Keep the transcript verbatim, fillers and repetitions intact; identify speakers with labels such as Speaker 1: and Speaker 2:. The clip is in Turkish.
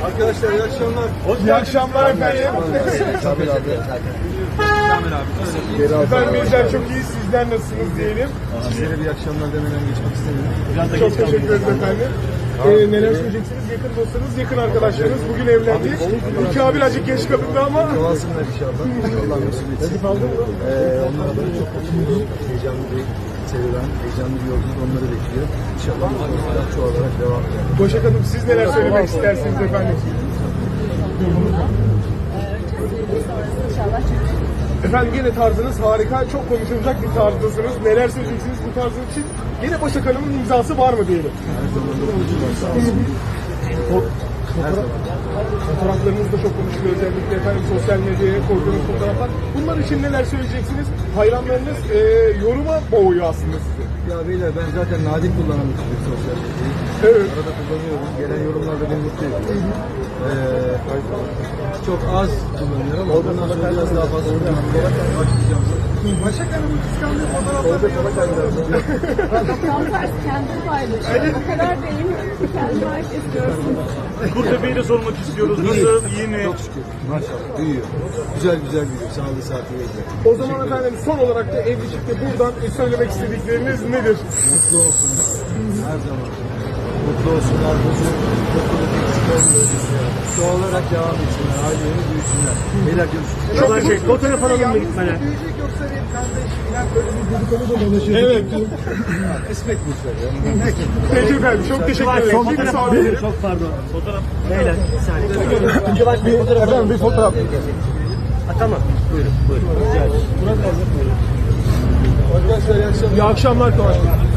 Speaker 1: Arkadaşlar iyi akşamlar.
Speaker 2: İyi akşamlar efendim.
Speaker 1: Kamil abi.
Speaker 2: Efendim bizler çok iyi, sizler nasılsınız diyelim.
Speaker 1: Sizlere bir akşamlar demeden geçmek istemiyorum.
Speaker 2: Çok teşekkür ederiz efendim. Ee, neler söyleyeceksiniz? Yakın dostlarınız, yakın arkadaşlarınız. Bugün evlendik. Kamil acık geç kalındı ama.
Speaker 1: Doğalsınlar inşallah. Allah nasip etsin. Ee, onlara da çok mutluyuz. Heyecanlı bir serüven, heyecanlı bir yolculuk onları bekliyor. İnşallah mutluluklar çoğalarak devam eder.
Speaker 2: Başak Hanım siz neler söylemek istersiniz efendim? Efendim yine tarzınız harika, çok konuşulacak bir tarzdasınız. Neler söyleyeceksiniz bu tarzın için? Yine Başak Hanım'ın imzası var mı diyelim?
Speaker 1: Her zaman da konuşulan sağ olsun. Her zaman.
Speaker 2: Fotoğraflarınız da çok konuşuluyor, özellikle efendim sosyal medyaya koyduğunuz fotoğraflar. Bunlar için neler söyleyeceksiniz? Hayranlarınız e, yoruma boğuyor aslında sizi.
Speaker 1: Ya beyler ben zaten nadir kullanan bir çocuk sosyal medyayı.
Speaker 2: Evet.
Speaker 1: Arada kullanıyorum. Gelen yorumlar da beni mutlu ediyor. Ee, çok az kullanıyorum ama bundan sonra biraz daha fazla kullanarak başlayacağım.
Speaker 2: Başak Hanım'ın kıskandığı fotoğrafları
Speaker 3: Tam tersi kendini paylaşıyor. O kadar değil. Kendini herkes görsün.
Speaker 4: Kurtepe'yi de sormak istiyoruz. Nasıl? İyi mi?
Speaker 1: Çok şükür. Maşallah. Büyüyor. Güzel güzel büyüyor. Sağlığı saatiyle.
Speaker 2: O zaman efendim son olarak da evlilikte buradan söylemek istedikleriniz nedir?
Speaker 1: Mutlu olsunlar. Her zaman. Mutlu olsunlar. Huzur, mutluluk eksik olmuyor. Çoğalarak devam etsinler. Aileleri büyüsünler. Beyler görüşürüz.
Speaker 4: Çok şey. Fotoğraf alalım mı gitmene?
Speaker 2: Büyüyecek yoksa bir kardeş falan böyle bir dedikodu da dolaşıyor. Evet.
Speaker 1: Esmek mutlar ya.
Speaker 2: Peki efendim çok teşekkür ederim.
Speaker 4: Son
Speaker 2: Bir
Speaker 4: fotoğraf
Speaker 2: saniye.
Speaker 4: alalım. Çok pardon. Fotoğraf. Beyler bir saniye.
Speaker 2: Bir, efendim bir fotoğraf.
Speaker 4: Ha, tamam. Buyurun. Buyurun. Rica ederim.
Speaker 1: Arkadaşlar iyi akşamlar.
Speaker 2: İyi akşamlar Kıvanç Bey.